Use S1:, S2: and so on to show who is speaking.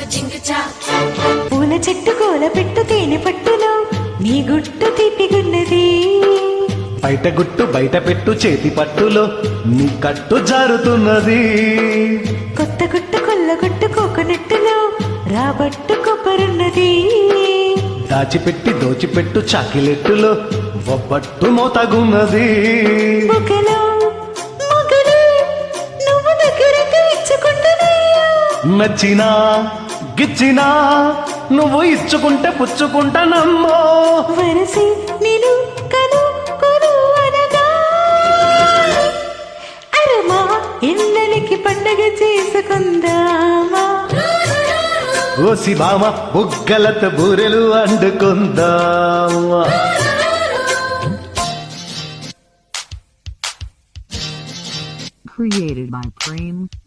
S1: పూల చెట్టు కోల పెట్టు తేనె పట్టులో నీ గుట్టు తీపిగున్నది.
S2: బయట గుట్టు బయట పెట్టు చేతి పట్టులో నీ కట్టు జారుతున్నది.
S1: కొత్త గుట్టు కొల్ల గుట్టు కోకొనట్టులో రాబట్టు కొబ్బరున్నది.
S2: దాచిపెట్టి దోచిపెట్టు చాకిలెట్టులో ఒబ్బట్టు మోతగున్నది.
S1: మొగలో మొగలు నువ్వు దగ్గరకు ఇచ్చుకుంటున్నాయా.
S2: నచ్చినా గిచ్చినా నువ్వు ఇచ్చుకుంటే పుచ్చుకుంటానమ్మో.
S1: వరసి నేను కను కొను అనగా అరమా ఇళ్ళకి పండగ చేసుకుందామా.
S2: ఓసి బామ బుగ్గలతో బూరెలు అండుకుందామా.
S3: Created by Prem